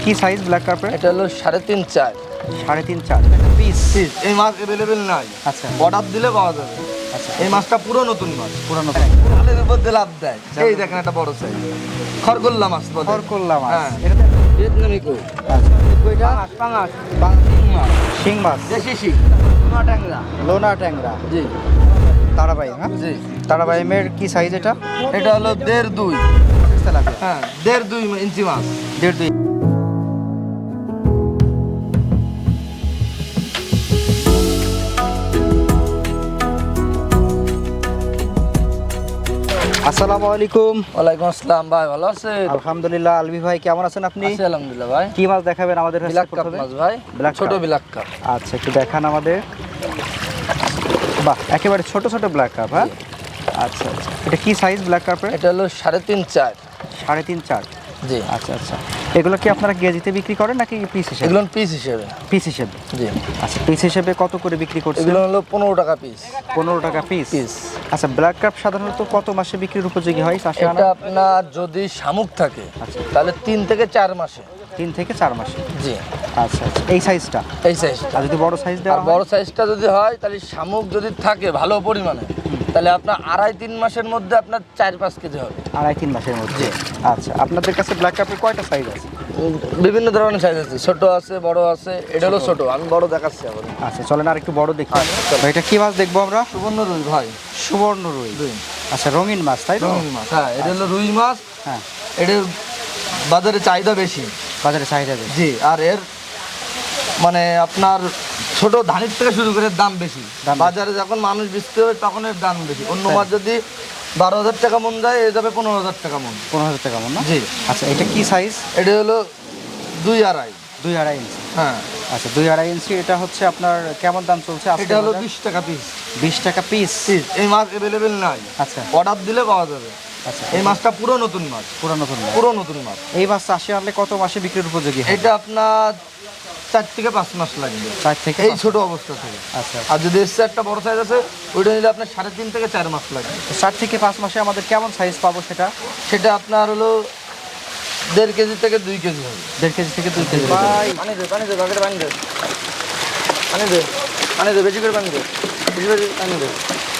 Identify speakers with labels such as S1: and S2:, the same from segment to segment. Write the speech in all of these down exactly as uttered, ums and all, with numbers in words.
S1: কি size black carpet?
S2: এটা হলো সাড়ে তিন চার
S1: সাড়ে তিন চার পিস।
S2: পিস এই মাছ অ্যাভেলেবেল নাই।
S1: আচ্ছা
S2: অর্ডার দিলে পাওয়া যাবে।
S1: আচ্ছা
S2: এই মাছটা পুরো নতুন মাছ,
S1: পুরানো
S2: জালের উপর দিয়ে লাভ দেয়। এই দেখেন একটা বড় সাইজ খরগোল্লা মাছ বলে।
S1: খরকোল্লা মাছ।
S2: হ্যাঁ।
S1: এটা তো
S2: ভিয়েতনামি কই।
S1: আচ্ছা
S2: কইটা পাঙাশ
S1: বাং-
S2: মাছ
S1: শিং মাছ,
S2: দেশি শিং নোনা ট্যাংরা।
S1: লোনা ট্যাংরা,
S2: জি
S1: তারাবাই। হ্যাঁ
S2: জি
S1: তারাবাইমের কি সাইজ এটা?
S2: এটা হলো দেড় দুই।
S1: তেলাপিয়া
S2: হ্যাঁ দেড় দুই ইঞ্চি মাছ।
S1: দেড় দুই। আসসালামু আলাইকুম।
S2: ওয়ালাইকুম আসসালাম ভাই, ভালো আছেন?
S1: আলহামদুলিল্লাহ। আলবি ভাই কেমন আছেন আপনি?
S2: আছি আলহামদুলিল্লাহ ভাই।
S1: কি মাছ দেখাবেন আমাদের কাছে
S2: ব্ল্যাক কাপ
S1: প্রথমে?
S2: মাছ ভাই,
S1: ব্ল্যাক
S2: ছোট
S1: কাপ।
S2: Black cup.
S1: আচ্ছা একটু দেখান আমাদের। বাহ, একেবারে ছোট ছোট ব্ল্যাক কাপ। হ্যাঁ আচ্ছা আচ্ছা, এটা কি সাইজ ব্ল্যাক কার্পেট?
S2: এটা হলো সাড়ে তিন চার।
S1: সাড়ে তিন চার।
S2: জি
S1: আচ্ছা আচ্ছা, এগুলো কি আপনারা কেজিতে বিক্রি করেন নাকি পিস হিসেবে?
S2: এগুলো পিস হিসেবে।
S1: পিস হিসেবে।
S2: জি
S1: আচ্ছা, পিস হিসেবে কত করে বিক্রি করছেন?
S2: এগুলো হলো পনেরো টাকা পিস।
S1: পনেরো টাকা পিস।
S2: পিস
S1: আচ্ছা, ব্ল্যাক কাপ সাধারণত কত মাসে বিক্রির উপযোগী হয়? চাষে আনা
S2: এটা আপনার যদি শামুক থাকে
S1: আচ্ছা।
S2: তাহলে তিন থেকে চার মাসে।
S1: তিন থেকে চার মাসে।
S2: জি
S1: আচ্ছা আচ্ছা, এই সাইজটা।
S2: এই সাইজটা।
S1: আর যদি বড় সাইজ
S2: আর
S1: দেওয়া হয়?
S2: বড় সাইজটা যদি হয় তাহলে শামুক যদি থাকে ভালো পরিমাণে তাহলে আপনার আড়াই তিন মাসের মধ্যে আপনার চার পাঁচ কেজি হবে।
S1: আড়াই তিন মাসের মধ্যে। আচ্ছা, আপনাদের কাছে ব্ল্যাক কাপের কয়টা সাইজ আছে?
S2: উম, বিভিন্ন ধরনের সাইজ আছে, ছোট আছে বড় আছে। এটা হলো ছোট, আমি বড় দেখাচ্ছি আবার।
S1: আচ্ছা চলেন আর একটু বড় দেখি।
S2: আচ্ছা, চলো।
S1: ভাই, এটা কি মাছ দেখবো আমরা?
S2: সুবর্ণ রুই ভাই।
S1: সুবর্ণ রুই।
S2: রুই
S1: আচ্ছা, রঙিন মাছ তাই তো?
S2: রুই মাছ, হ্যাঁ এটা হলো রুই মাছ।
S1: হ্যাঁ,
S2: এটার বাজারে চাহিদা বেশি।
S1: বাজারে চাহিদা বেশি।
S2: জি, আর এর মানে আপনার ছোট ধানের থেকে শুরু করে দাম বেশি।
S1: দাম বেশি।
S2: বাজারে যখন মানুষ বেচতে হবে তখন এর দাম বেশি। অন্য
S1: তাই।
S2: মাছ যদি বারো হাজার টাকা মন যায়, এ যাবে পনেরো হাজার টাকা মন।
S1: পনেরো হাজার টাকা মন না?
S2: জি।
S1: আচ্ছা, এটা কি সাইজ?
S2: এটা হলো দুই আড়াই।
S1: দুই আড়াই ইঞ্চি।
S2: হ্যাঁ
S1: আচ্ছা, দুই আড়াই ইঞ্চি। এটা হচ্ছে আপনার কেমন দাম চলছে আজকের
S2: এটা হলো
S1: বাজার?
S2: বিশ টাকা পিস।
S1: বিশ টাকা পিস।
S2: পিস এই মাছ অ্যাভেলেবেল নাই।
S1: আচ্ছা
S2: অর্ডার দিলে পাওয়া যাবে।
S1: আচ্ছা,
S2: এই মাছটা পুরো নতুন মাছ,
S1: পুরো নতুন মাছ।
S2: পুরো নতুন মাছ।
S1: এই মাছ চাষে আনলে কত মাসে বিক্রির উপযোগী হয়?
S2: এটা আপনার চার থেকে পাঁচ মাস লাগবে
S1: চার থেকে
S2: এই
S1: পাঁচ।
S2: ছোট অবস্থা থেকে।
S1: আচ্ছা,
S2: আর যদি এর চেয়ে একটা বড় সাইজ আছে ওইটা নিলে আপনার সাড়ে তিন থেকে চার মাস লাগবে।
S1: তো চার থেকে পাঁচ মাসে আমাদের কেমন সাইজ পাবো সেটা?
S2: সেটা আপনার হলো দেড় কেজি থেকে দুই কেজি হবে।
S1: দেড় কেজি থেকে দুই কেজি।
S2: ভাই পানি দে, পানি দে, বাকেটে পানি দে, পানি দে, পানি দে, বেশি করে পানি দে, বেশি বেশি পানি দে।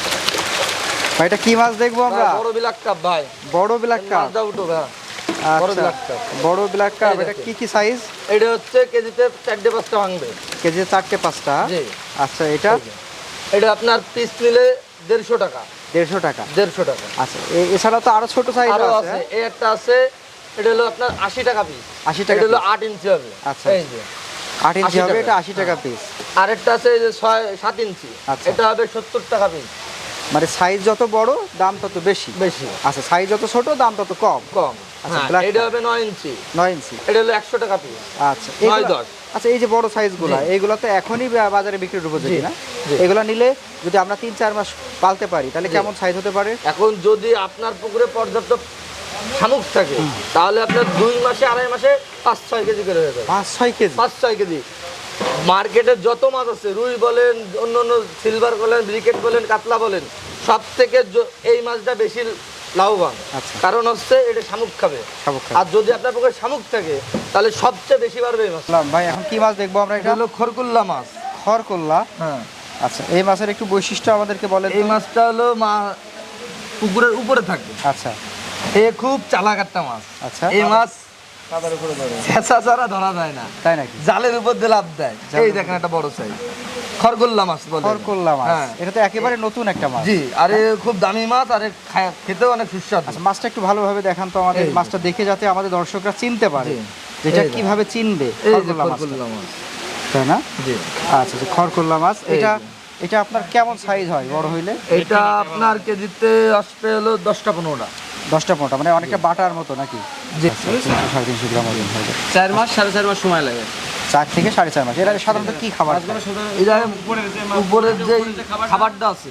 S1: ভাই, এটা কি মাছ দেখবো আমরা?
S2: বড় বিলাক কাপ ভাই।
S1: বড় ব্ল্যাক কাপ।
S2: মাছটা উঠো ভাই। বড়
S1: আচ্ছা,
S2: ব্ল্যাক কাপ।
S1: বড় ব্ল্যাক কাপ।
S2: এই
S1: এটা
S2: দেখো।
S1: কি কি সাইজ?
S2: এটা হচ্ছে কেজিতে চারটে পাঁচটা ভাঙবে।
S1: কেজি চারটে পাঁচটা।
S2: জি।
S1: আচ্ছা, এটা
S2: এটা আপনার পিস নিলে দেড়শো টাকা।
S1: দেড়শো টাকা।
S2: দেড়শো টাকা।
S1: আচ্ছা, এ- এছাড়া তো আরো ছোট সাইজ
S2: আরো
S1: আছে।
S2: আছে, এই একটা আছে, এটা হলো আপনার আশি টাকা পিস।
S1: আশি টাকা
S2: এটা হলো
S1: piece।
S2: আট ইঞ্চি হবে।
S1: আচ্ছা,
S2: এই যে
S1: আট ইঞ্চি
S2: আশি
S1: হবে,
S2: টাকা।
S1: এটা আশি টাকা পিস।
S2: আরেকটা আছে এই যে ছয় সাত ইঞ্চি।
S1: আচ্ছা।
S2: এটা হবে সত্তর টাকা পিস।
S1: মানে সাইজ যত বড় দাম তত বেশি।
S2: বেশি
S1: আচ্ছা, সাইজ যত ছোট দাম তত কম।
S2: কম।
S1: আচ্ছা,
S2: হ্যাঁ,
S1: black
S2: এটা
S1: কাপ।
S2: হবে নয় ইঞ্চি।
S1: নয় ইঞ্চি।
S2: এটা হলো একশো টাকা পিস।
S1: আচ্ছা,
S2: নয়
S1: এগুলা-
S2: দশ।
S1: আচ্ছা, এই যে বড় সাইজগুলো,
S2: জি।
S1: এইগুলো তো এখনই বা- বাজারে বিক্রির উপযোগী
S2: জি,
S1: না?
S2: জি।
S1: এগুলো নিলে যদি আমরা তিন চার মাস পালতে পারি তাহলে
S2: জি।
S1: কেমন সাইজ হতে পারে?
S2: এখন যদি আপনার পুকুরে পর্যাপ্ত শামুক থাকে তাহলে আপনার দুই মাসে আড়াই মাসে পাঁচ ছয় কেজি করে হয়ে যাবে।
S1: পাঁচ ছয় কেজি।
S2: পাঁচ ছয় কেজি। মার্কেটে যত মাছ আছে, রুই বলেন, অন্য অন্য সিলভার বলেন, ব্রিকেট বলেন, কাতলা বলেন, সব থেকে জ- এই মাছটা বেশি লাভবান।
S1: আচ্ছা।
S2: কারণ হচ্ছে এটা শামুক খাবে।
S1: শামুক খাবে।
S2: আর যদি আপনার পুকুরে শামুক থাকে তাহলে সবচেয়ে বেশি বাড়বে এই মাছ।
S1: বললাম, ভাই এখন কি মাছ দেখবো আমরা?
S2: এটা
S1: এটা
S2: হলো খরকুল্লা মাছ।
S1: খড়কল্লা।
S2: হ্যাঁ,
S1: আচ্ছা, এই মাছের একটু বৈশিষ্ট্য আমাদেরকে বলেন তো।
S2: এই মাছটা হলো মা পুকুরের উপরে থাকে।
S1: আচ্ছা
S2: এ খুব চালাক একটা মাছ।
S1: আচ্ছা।
S2: এই মাছ ছেঁচা ছাড়া ধরা যায় না,
S1: তাই নাকি?
S2: জালের উপর দিয়ে লাভ দেয়। এই দেখেন একটা বড় সাইজ খরগোল্লা মাছ বলে।
S1: খড়কল্লা মাছ।
S2: হ্যাঁ।
S1: এটা তো একেবারে নতুন একটা মাছ।
S2: জি, আরে খুব দামি মাছ, আর এ খায়- খেতেও অনেক সুস্বাদু।
S1: আচ্ছা, মাছটা একটু ভালোভাবে দেখান তো আমাদের।
S2: এই যে।
S1: মাছটা দেখে যাতে আমাদের দর্শকরা চিনতে পারে
S2: জি।
S1: যেটা
S2: এই যে।
S1: কিভাবে চিনবে
S2: এই যে
S1: খড়কল্লা মাছটা।
S2: খরগোল্লা মাছ।
S1: তাই না?
S2: জি,
S1: আচ্ছা আচ্ছা, খড়কল্লা মাছ।
S2: এই
S1: এটা
S2: যে।
S1: এটা আপনার কেমন সাইজ হয় বড় হইলে?
S2: এটা আপনার কেজিতে আসবে হলো দশটা পনেরোটা।
S1: দশটা পনেরোটা, মানে অনেকটা বাটার মতো নাকি?
S2: জি,
S1: আচ্ছা, তিনশো সাড়ে তিনশো গ্রাম ওজন হয়ে যায়।
S2: চার মাস সাড়ে চার মাস সময় লাগে।
S1: চার থেকে সাড়ে চার মাস। এর আগে সাধারণত কি খাবার খায়?
S2: এটা উপরের যে খাবারটা আছে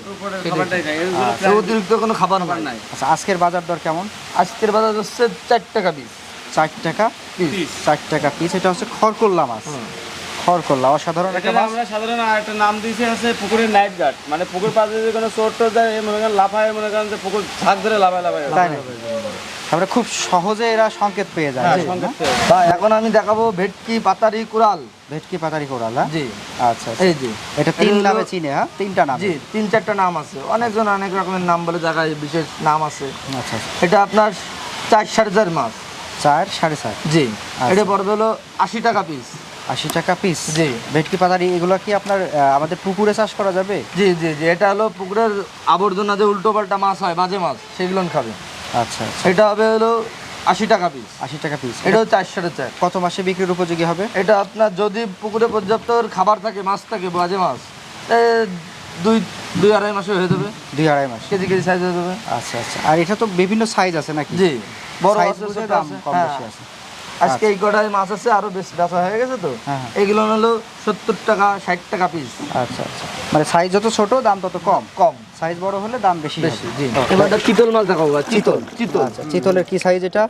S2: সেটাই। অতিরিক্ত কোনো খাবার নাই।
S1: আচ্ছা, আজকের বাজার দর কেমন?
S2: আজকের বাজার হচ্ছে চার টাকা পিস।
S1: চার টাকা
S2: পিস।
S1: চার টাকা পিস। এটা হচ্ছে খড়কল্লা মাছ। খড়কল্লা অসাধারণ একটা
S3: এটা
S1: মাছ।
S3: আমরা সাধারণ একটা নাম দিয়েছি আছে পুকুরের নাইট গার্ড, মানে পুকুর পাশে যদি কোনো চোর টোর যায় মনে করেন লাফায়, মনে করেন যে পুকুর ঝাঁক ধরে লাফায় লাফায়
S1: তাই না? আমরা খুব সহজে এরা সংকেত পেয়ে যায়।
S3: হ্যাঁ,
S1: জি,
S3: সংকেত
S1: না?
S3: পেয়ে।
S2: ভাই এখন আমি দেখাবো ভেটকি পাতারি কুড়াল।
S1: ভেটকি পাতারি কোরাল, হ্যাঁ?
S2: জি
S1: আচ্ছা আচ্ছা।
S2: এই জি
S1: এটা তিন
S2: এটা হলো-
S1: নামে চিনে, হ্যাঁ? তিনটা নাম।
S2: জি তিন চারটা নাম আছে, অনেকজন অনেক রকমের নাম বলে, জায়গায় বিশেষ নাম আছে।
S1: আচ্ছা আচ্ছা।
S2: এটা আপনার চার সাড়ে চার মাছ।
S1: চার সাড়ে চার
S2: জি
S1: আচ্ছা।
S2: এটা পড়বে হলো আশি টাকা পিস।
S1: আশি টাকা পিস।
S2: জি।
S1: ভেটকি পাতারি এগুলো কি আপনার আহ, আমাদের পুকুরে চাষ করা যাবে?
S2: জি জি জি এটা হলো পুকুরের আবর্জনা যে উল্টো পাল্টা মাছ হয়, বাজে মাছ, সেগুলো খাবে।
S1: আচ্ছা আচ্ছা।
S2: এটা হবে হলো আশি টাকা পিস।
S1: আশি টাকা পিস।
S2: এটাও চার সাড়ে চার।
S1: কত মাসে বিক্রির উপযোগী হবে?
S2: এটা আপনার যদি পুকুরে পর্যাপ্ত খাবার থাকে, মাছ থাকে, বাজে মাছ, এ, দুই দুই আড়াই মাসে হয়ে যাবে,
S1: দুই আড়াই মাস।
S2: কেজি কেজি সাইজ হয়ে যাবে।
S1: আচ্ছা আচ্ছা। আর এটা তো বিভিন্ন সাইজ আছে নাকি?
S2: জি বড়
S1: সাইজ
S2: আছে,
S1: বুঝে
S2: ছোট
S1: দাম
S2: আছে।
S1: কম
S2: হ্যাঁ।
S1: বেশি আছে।
S2: আজকে এই কটায় মাছ আছে, আরো বেশি বেচা হয়ে গেছে তো।
S1: হ্যাঁ, হ্যাঁ।
S2: এগুলো হলো সত্তর টাকা ষাট টাকা পিস।
S1: আচ্ছা আচ্ছা। মানে সাইজ যত ছোট দাম তত কম,
S2: কম
S1: সাইজ বড় হলে দাম বেশি
S2: বেশি।
S1: হবে।
S2: জি
S1: ও,
S2: এবার একটা চিতল মাছ দেখাবো ভাই, চিতল চিতল
S1: আচ্ছা, চিতলের কি সাইজ এটা?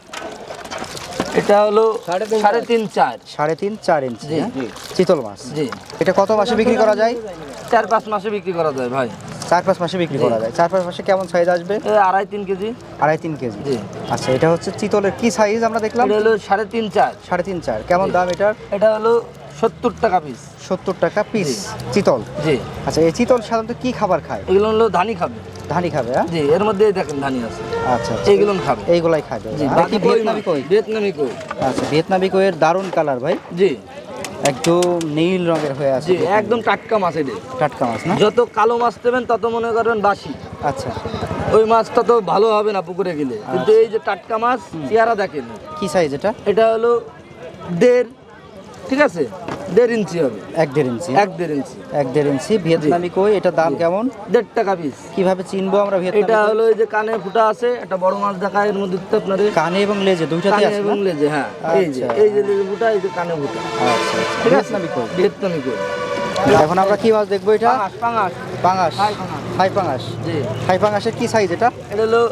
S2: এটা হলো সাড়ে তিন চার।
S1: সাড়ে তিন চার ইঞ্চি,
S2: জি,
S1: হ্যাঁ?
S2: জি।
S1: চিতল মাছ।
S2: জি
S1: এটা কত মাসে বিক্রি করা যায়?
S2: চার পাঁচ মাসে বিক্রি করা যায় ভাই।
S1: চার পাঁচ মাসে বিক্রি
S2: জি।
S1: করা যায়। চার পাঁচ মাসে কেমন সাইজ আসবে?
S2: এ আড়াই তিন কেজি।
S1: আড়াই তিন কেজি।
S2: জি
S1: আচ্ছা, এটা হচ্ছে চিতলের কি সাইজ আমরা দেখলাম?
S2: এটা হলো সাড়ে তিন চার।
S1: সাড়ে তিন চার। কেমন
S2: জি।
S1: দাম এটার?
S2: এটা হলো সত্তর টাকা পিস।
S1: সত্তর টাকা পিস
S2: জি।
S1: চিতল।
S2: জি
S1: আচ্ছা, এই চিতল সাধারণত কি খাবার খায়?
S2: এগুলো হলো ধানি খাবে।
S1: ধানি খাবে, হ্যাঁ?
S2: জি এর মধ্যে দেখেন ধানি আছে,
S1: আচ্ছা আচ্ছা।
S2: এইগুলো খাবে।
S1: এইগুলাই খাবে।
S2: জি
S1: আর
S2: বাকি
S1: কি ভিয়েতনামি কই?
S2: ভিয়েতনামি কই।
S1: আচ্ছা, ভিয়েতনামি কইয়ের দারুণ কালার ভাই,
S2: জি
S1: একদম নীল রঙের হয়ে আছে।
S2: জি একদম টাটকা মাছ এটা।
S1: টাটকা মাছ না?
S2: যত কালো মাছ দেবেন তত মনে করবেন বাসি,
S1: আচ্ছা,
S2: ওই মাছটা তো ভালো হবে না পুকুরে গেলে। কিন্তু এই যে টাটকা মাছ, চেহারা দেখেন,
S1: কি সাইজ এটা?
S2: এটা হলো দেড়, ঠিক আছে, দেড় ইঞ্চি হবে।
S1: এক দেড় ইঞ্চি।
S2: এক দেড় ইঞ্চি
S1: এক দেড় ইঞ্চি ভিয়েতনামি কই। এটা দাম কেমন?
S2: দেড় টাকা পিস।
S1: কিভাবে চিনবো আমরা ভিয়েতনামি
S2: এটা
S1: কই?
S2: হলো এই যে কানে ফুটা আছে, একটা বড় মাছ দেখায় এর মধ্যে তো আপনার
S1: কানে এবং লেজে দুইটাতে
S2: কানে
S1: আছে
S2: এবং
S1: না?
S2: লেজে। হ্যাঁ এই যে
S1: আচ্ছা।
S2: এই যে লেজে ফুটা, এই যে কানে ফুটা,
S1: আচ্ছা আচ্ছা।
S2: ঠিক আছে,
S1: ভিয়েতনামি কই।
S2: ভিয়েতনামি কই।
S1: এখন আমরা কি মাছ দেখবো এটা?
S2: পাঙাশ পাঙাশ
S1: পাঙাশ।
S2: থাই পাঙাশ।
S1: থাই পাঙাশ।
S2: জি
S1: থাই পাঙাশের কি সাইজ এটা?
S2: এটা হলো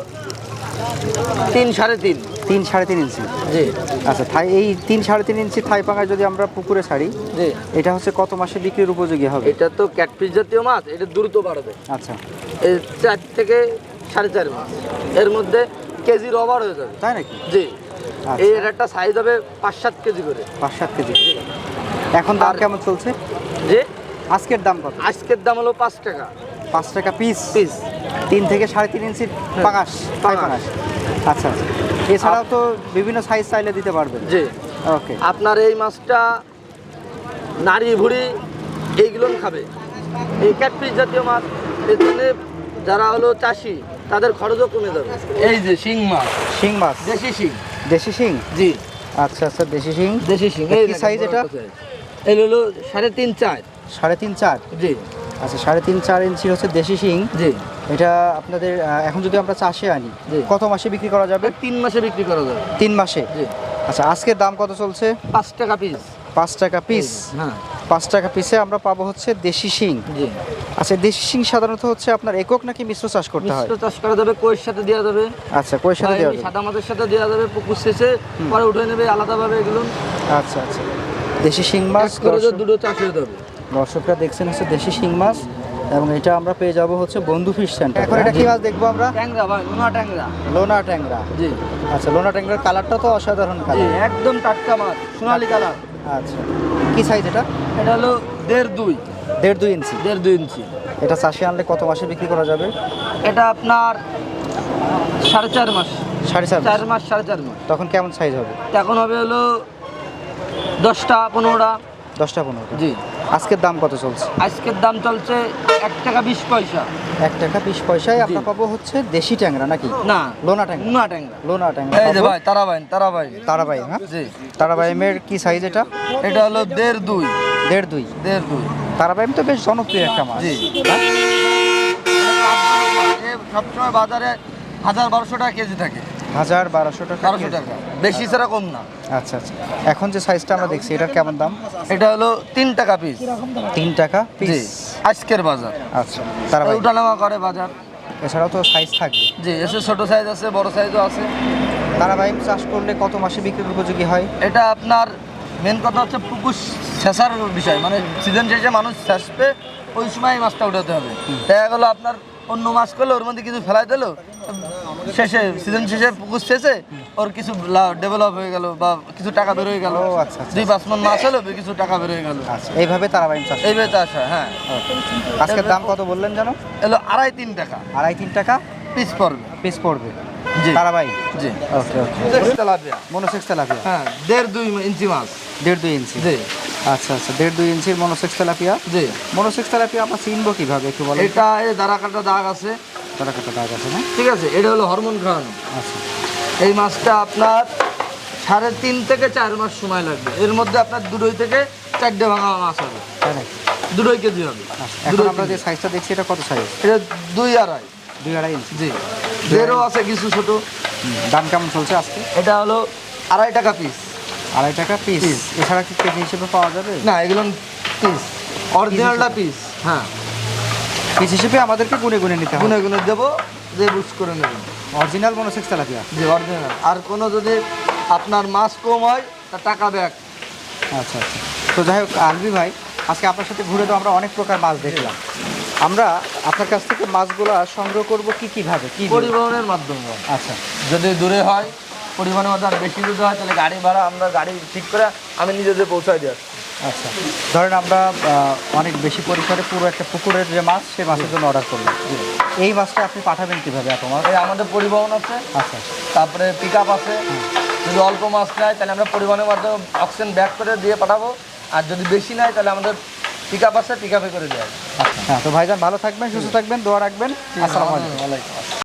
S2: তিন সাড়ে তিন।
S1: তিন সাড়ে তিন ইঞ্চি।
S2: জি
S1: আচ্ছা, থাই এই তিন সাড়ে তিন ইঞ্চি থাই পাঙাশ যদি আমরা পুকুরে ছাড়ি,
S2: জি
S1: এটা হচ্ছে কত মাসে বিক্রির উপযোগী হবে?
S2: এটা তো ক্যাটফিশ জাতীয় মাছ, এটা দ্রুত বাড়বে।
S1: আচ্ছা,
S2: এই চার থেকে সাড়ে চার মাস এর মধ্যে কেজির ওভার হয়ে যাবে।
S1: তাই নাকি?
S2: জি
S1: আচ্ছা।
S2: এর একটা সাইজ হবে পাঁচ সাত কেজি করে।
S1: পাঁচ সাত কেজি। এখন দাম
S2: আর-
S1: কেমন চলছে?
S2: জি
S1: আজকের দাম কত?
S2: আজকের দাম হলো পাঁচ টাকা
S1: পাঁচ টাকা পিস।
S2: পিস।
S1: তিন থেকে সাড়ে তিন ইঞ্চি পাঙাশ, থাই পাঙাশ। আচ্ছা আচ্ছা। এছাড়াও তো বিভিন্ন সাইজ চাইলে দিতে পারবেন।
S2: জি
S1: ওকে।
S2: আপনার এই মাছটা নাড়ি ভুড়ি এইগুলো খাবে, এই ক্যাটফিশ জাতীয় মাছ। এর জন্য যারা হলো চাষি তাদের খরচও কমে যাবে। এই যে শিং মাছ,
S1: শিং মাছ,
S2: দেশি শিং।
S1: দেশি শিং।
S2: জি
S1: আচ্ছা আচ্ছা, দেশি শিং।
S2: দেশি শিং।
S1: কি
S2: এই দেখেন,
S1: size
S2: বড়
S1: এটা?
S2: একটা size। এই হলো সাড়ে তিন চার।
S1: সাড়ে তিন চার।
S2: জি
S1: আচ্ছা, সাড়ে তিন চার ইঞ্চি হচ্ছে দেশি শিং।
S2: জি
S1: এটা আপনাদের আহ, এখন যদি আমরা চাষে আনি,
S2: জি।
S1: কত মাসে বিক্রি করা যাবে?
S2: তিন মাসে বিক্রি করা যাবে।
S1: তিন মাসে।
S2: জি
S1: আচ্ছা, আজকের দাম কত চলছে?
S2: পাঁচ টাকা পিস।
S1: পাঁচ টাকা পিস।
S2: হ্যাঁ
S1: পাঁচ টাকা পিসে আমরা পাবো হচ্ছে দেশি শিং।
S2: জি
S1: আচ্ছা, দেশি শিং সাধারণত হচ্ছে আপনার একক নাকি মিশ্র চাষ করতে হয়?
S2: মিশ্র চাষ করা যাবে, কইয়ের সাথে দেওয়া যাবে,
S1: আচ্ছা, কয়ের সাথে
S2: বা
S1: দেওয়া
S2: এমনি
S1: যাবে?
S2: সাদা মাছের সাথে দেওয়া যাবে। পুকুর শেষে পরে উঠে নেবে আলাদাভাবে এগুলো।
S1: আচ্ছা আচ্ছা। দেশি শিং মাছ
S2: এক করে যে
S1: দর্শক-
S2: দুটো চাষ হয়ে যাবে।
S1: দর্শকরা দেখছেন হচ্ছে দেশি শিং মাছ, এবং এটা আমরা পেয়ে যাব হচ্ছে বন্ধু ফিশ সেন্টার। এখন এটা কি মাছ দেখবো আমরা?
S2: ট্যাংরা ভাই, নোনা ট্যাংরা।
S1: লোনা ট্যাংরা।
S2: জি
S1: আচ্ছা, লোনা ট্যাংরার কালারটা তো অসাধারণ
S2: জি
S1: কালার।
S2: একদম টাটকা মাছ, সোনালি কালার।
S1: আচ্ছা, কি সাইজ এটা?
S2: এটা হলো দেড় দুই।
S1: দেড় দুই ইঞ্চি।
S2: দেড় দুই ইঞ্চি।
S1: এটা চাষে আনলে কত মাসে বিক্রি করা যাবে?
S2: এটা আপনার সাড়ে চার মাস।
S1: সাড়ে চার
S2: চার
S1: মাস।
S2: মাস সাড়ে চার মাস।
S1: তখন কেমন সাইজ হবে?
S2: এখন হবে হলো দশটা পনেরোটা।
S1: দশটা পনেরো।
S2: জি
S1: আজকের দাম কত চলছে?
S2: আজকের দাম চলছে এক টাকা বিশ পয়সা।
S1: এক টাকা বিশ পয়সায় আমরা পাবো হচ্ছে দেশি ট্যাংরা নাকি?
S2: না,
S1: লোনা ট্যাংরা।
S2: নোনা ট্যাংরা।
S1: লোনা ট্যাংরা
S2: এই যে
S1: পাবো।
S2: ভাই তারাবাই তারাবাই।
S1: তারাবাই, হ্যাঁ?
S2: জি
S1: তারাবাইমের কি সাইজ এটা?
S2: এটা হলো দেড় দুই।
S1: দেড় দুই।
S2: দেড় দুই।
S1: তারাবাইম তো বেশ জনপ্রিয় একটা মাছ।
S2: জি।
S1: হ্যাঁ?
S2: এ সবসময় বাজারে হাজার বারোশো টাকা কেজি থাকে।
S1: হাজার বারোশো টাকা।
S2: বারোশো টাকা বেশি ছাড়া কম না।
S1: আচ্ছা আচ্ছা। এখন যে সাইজটা আমরা দেখছি এটার কেমন দাম?
S2: এটা হলো তিন টাকা পিস।
S1: তিন টাকা
S2: জি
S1: পিস।
S2: আজকের বাজার।
S1: আচ্ছা, তারাবাই।
S2: উঠানামা করে বাজার।
S1: এছাড়াও তো সাইজ থাকবে।
S2: জি এসে ছোট সাইজ আছে, বড় সাইজও আছে।
S1: তারাবাইম চাষ করলে কত মাসে বিক্রির উপযোগী হয়?
S2: এটা আপনার মেন কথা হচ্ছে পুকুর শেষার বিষয়, মানে সিজন শেষে মানুষ শেষবে ওই সময় এই মাছটা উঠাতে হবে। দেখা গেলো আপনার অন্য মাছ করলে ওর মধ্যে কিছু ফেলাই দিলো, শেষে সিজন শেষে পুকুর শেষে ওর কিছু ডেভেলপ হয়ে গেল বা কিছু টাকা বের হয়ে গেল।
S1: ও আচ্ছা আচ্ছা
S2: দুই পাঁচ মন মাছ হলো কিছু টাকা বের হয়ে গেল।
S1: আচ্ছা, এইভাবে তারাবাইন চাষ।
S2: এইভাবে চাষ হয়। হ্যাঁ,
S1: আজকের দাম কত বললেন জানো?
S2: এলো আড়াই তিন টাকা
S1: আড়াই তিন টাকা
S2: পিস পড়বে।
S1: পিস পড়বে।
S2: জি
S1: তারাবাই।
S2: জি।
S1: Okay okay.
S2: Tilapia,
S1: monosex tilapia.
S2: হ্যাঁ, দেড় দুই ইঞ্চি মাছ।
S1: দেড় দুই ইঞ্চি।
S2: জি
S1: আচ্ছা আচ্ছা, দেড় দুই ইঞ্চির মনোসেক্স তেলাপিয়া।
S2: জি।
S1: মনোসেক্স তেলাপিয়া আমরা চিনবো কিভাবে একটু বলেন?
S2: এটা এই দাঁড়া কাটা দাগ আছে,
S1: তারা কাটা দাগ আছে না?
S2: ঠিক আছে, এটা হলো হরমোন খাওয়ানো।
S1: আচ্ছা
S2: এই মাছটা আপনার সাড়ে তিন থেকে চার মাস সময় লাগবে। এর মধ্যে আপনার দুটোই থেকে চারটে ভাঙা মাছ হবে,
S1: তাই নাকি?
S2: দুটোই কেজি হবে।
S1: আচ্ছা, এখন
S2: দুটোই
S1: আমরা যে
S2: কেজি।
S1: সাইজটা দেখছি এটা কত সাইজ?
S2: এটা দুই আড়াই।
S1: দুই আড়াই ইঞ্চি।
S2: জি, দেড়ও আছে কিছু ছোট।
S1: হুম, দাম কেমন চলছে আজকে?
S2: এটা হলো আড়াই টাকা পিস।
S1: আড়াই টাকা পিস।
S2: Piece।
S1: এছাড়া কি কেজি হিসেবে পাওয়া যাবে?
S2: না, এগুলো পিস, অরিজিনালটা পিস। হ্যাঁ,
S1: পিস হিসেবে আমাদেরকে গুনে গুনে নিতে হবে।
S2: গুনে গুনে দেবো, যে বুঝ করে নেবেন।
S1: Original monosex tilapia.
S2: জি, অরিজিনাল। আর কোনো যদি আপনার মাছ কম হয় তা টাকা ব্যাক।
S1: আচ্ছা আচ্ছা, তো যাই হোক আলবি ভাই, আজকে আপনার সাথে ঘুরে তো আমরা অনেক প্রকার মাছ দেখলাম। আমরা আপনার কাছ থেকে মাছগুলো সংগ্রহ করব কি কিভাবে, কি দিয়ে?
S2: পরিবহনের মাধ্যমে।
S1: আচ্ছা
S2: যদি দূরে হয়, পরিবহনের মাধ্যমে আর বেশি দূরে হয়, তাহলে গাড়ি ভাড়া আমরা গাড়ি ঠিক করে আমি নিজেদের পৌঁছাই দিই।
S1: আচ্ছা, ধরেন আমরা আহ, অনেক বেশি পরিসরে পুরো একটা পুকুরের যে মাছ, সেই মাছের জন্য অর্ডার করলাম। এই মাছটা আপনি পাঠাবেন কিভাবে এত মাছ?
S2: এই আমাদের পরিবহন আছে,
S1: আচ্ছা
S2: তারপরে পিক আপ আছে। যদি অল্প মাছ নেয় তাহলে আমরা পরিবহনের মাধ্যমে অক্সিজেন ব্যাক করে দিয়ে পাঠাবো। আর যদি বেশি নেয় তাহলে আমাদের পিক আপ আছে, পিক আপে করে দেওয়া হবে।
S1: আচ্ছা, হ্যাঁ, তো ভাইজান ভালো থাকবেন, সুস্থ থাকবেন, দোয়া রাখবেন। আসসালামু আলাইকুম।
S2: ওয়ালাইকুম আসসালাম।